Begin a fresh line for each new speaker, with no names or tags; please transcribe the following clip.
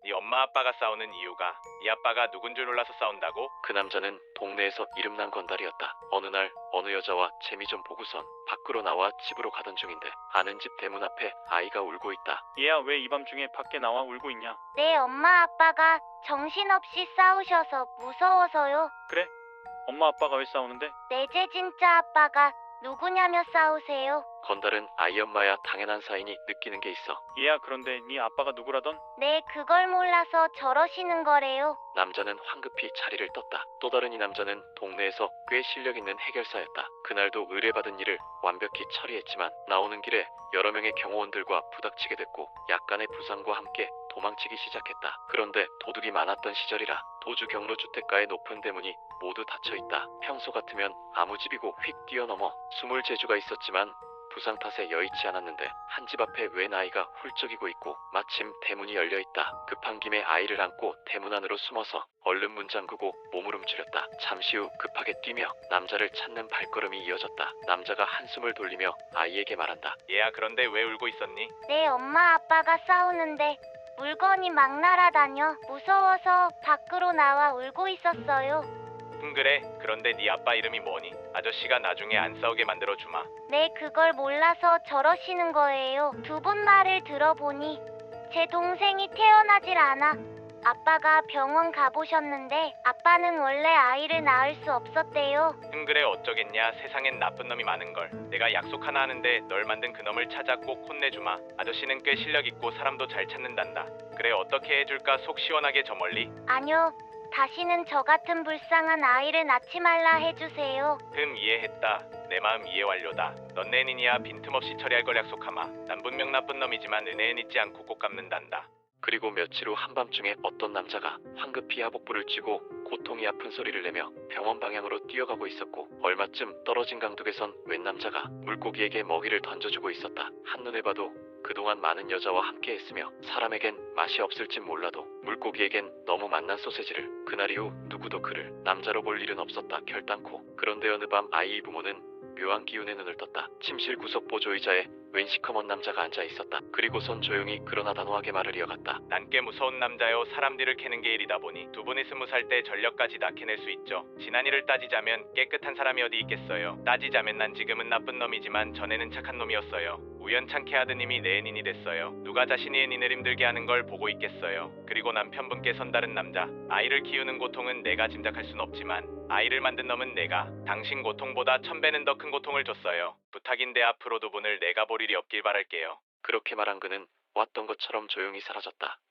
네 엄마 아빠가 싸우는 이유가 네 아빠가 누군 줄 몰라서 싸운다고?
그 남자는 동네에서 이름난 건달이었다. 어느 날 어느 여자와 재미 좀 보고선 밖으로 나와 집으로 가던 중인데 아는 집 대문 앞에 아이가 울고 있다.
얘야, 왜 이 밤중에 밖에 나와 울고 있냐?
내 엄마 아빠가 정신없이 싸우셔서 무서워서요.
그래? 엄마 아빠가 왜 싸우는데?
내제 진짜 아빠가 누구냐며 싸우세요.
건달은 아이 엄마야 당연한 사이니 느끼는 게 있어.
얘야, 그런데 네 아빠가 누구라던?
네, 그걸 몰라서 저러시는 거래요.
남자는 황급히 자리를 떴다. 또 다른 이 남자는 동네에서 꽤 실력 있는 해결사였다. 그날도 의뢰받은 일을 완벽히 처리했지만 나오는 길에 여러 명의 경호원들과 부닥치게 됐고 약간의 부상과 함께 도망치기 시작했다. 그런데 도둑이 많았던 시절이라 도주 경로 주택가의 높은 대문이 모두 닫혀있다. 평소 같으면 아무 집이고 휙 뛰어넘어 숨을 재주가 있었지만 부상 탓에 여의치 않았는데 한 집 앞에 웬 아이가 훌쩍이고 있고 마침 대문이 열려있다. 급한 김에 아이를 안고 대문 안으로 숨어서 얼른 문 잠그고 몸을 움츠렸다. 잠시 후 급하게 뛰며 남자를 찾는 발걸음이 이어졌다. 남자가 한숨을 돌리며 아이에게 말한다.
얘야 그런데 왜 울고 있었니?
내 엄마 아빠가 싸우는데 물건이 막 날아다녀 무서워서 밖으로 나와 울고 있었어요.
그래. 그런데 네 아빠 이름이 뭐니? 아저씨가 나중에 안 싸우게 만들어 주마.
네, 그걸 몰라서 저러시는 거예요. 두 분 말을 들어보니 제 동생이 태어나질 않아. 아빠가 병원 가보셨는데 아빠는 원래 아이를 낳을 수 없었대요.
그래 어쩌겠냐. 세상엔 나쁜 놈이 많은걸. 내가 약속 하나 하는데 널 만든 그 놈을 찾아 꼭 혼내주마. 아저씨는 꽤 실력 있고 사람도 잘 찾는단다. 그래 어떻게 해줄까 속 시원하게 저 멀리?
아니요. 다시는 저 같은 불쌍한 아이를 낳지 말라 해주세요.
이해했다. 내 마음 이해 완료다. 넌 내 애인이야 빈틈없이 처리할 걸 약속하마. 난 분명 나쁜 놈이지만 은혜는 잊지 않고 꼭 갚는단다.
그리고 며칠 후 한밤중에 어떤 남자가 황급히 하복부를 쥐고 고통이 아픈 소리를 내며 병원 방향으로 뛰어가고 있었고 얼마쯤 떨어진 강둑에선 웬 남자가 물고기에게 먹이를 던져주고 있었다. 한눈에 봐도 그동안 많은 여자와 함께 했으며 사람에겐 맛이 없을진 몰라도 물고기에겐 너무 맛난 소세지를 그날 이후 누구도 그를 남자로 볼 일은 없었다. 결단코. 그런데 어느 밤 아이의 부모는 묘한 기운에 눈을 떴다. 침실 구석 보조의자에 웬 시커먼 남자가 앉아 있었다. 그리고선 조용히 그러나 단호하게 말을 이어갔다.
난 꽤 무서운 남자요. 사람 뒤를 캐는 게 일이다 보니 두 분이 20살 때 전력까지 다 캐낼 수 있죠. 지난 일을 따지자면 깨끗한 사람이 어디 있겠어요. 따지자면 난 지금은 나쁜 놈이지만 전에는 착한 놈이었어요. 우연찮게 아드님이 내 애인이 됐어요. 누가 자신이 애인을 힘들게 하는 걸 보고 있겠어요. 그리고 남편분께 선다른 남자. 아이를 키우는 고통은 내가 짐작할 순 없지만 아이를 만든 놈은 내가 당신 고통보다 1000배는 더 큰 고통을 줬어요. 부탁인데 앞으로 두 분을 내가 볼 일이 없길 바랄게요.
그렇게 말한 그는 왔던 것처럼 조용히 사라졌다.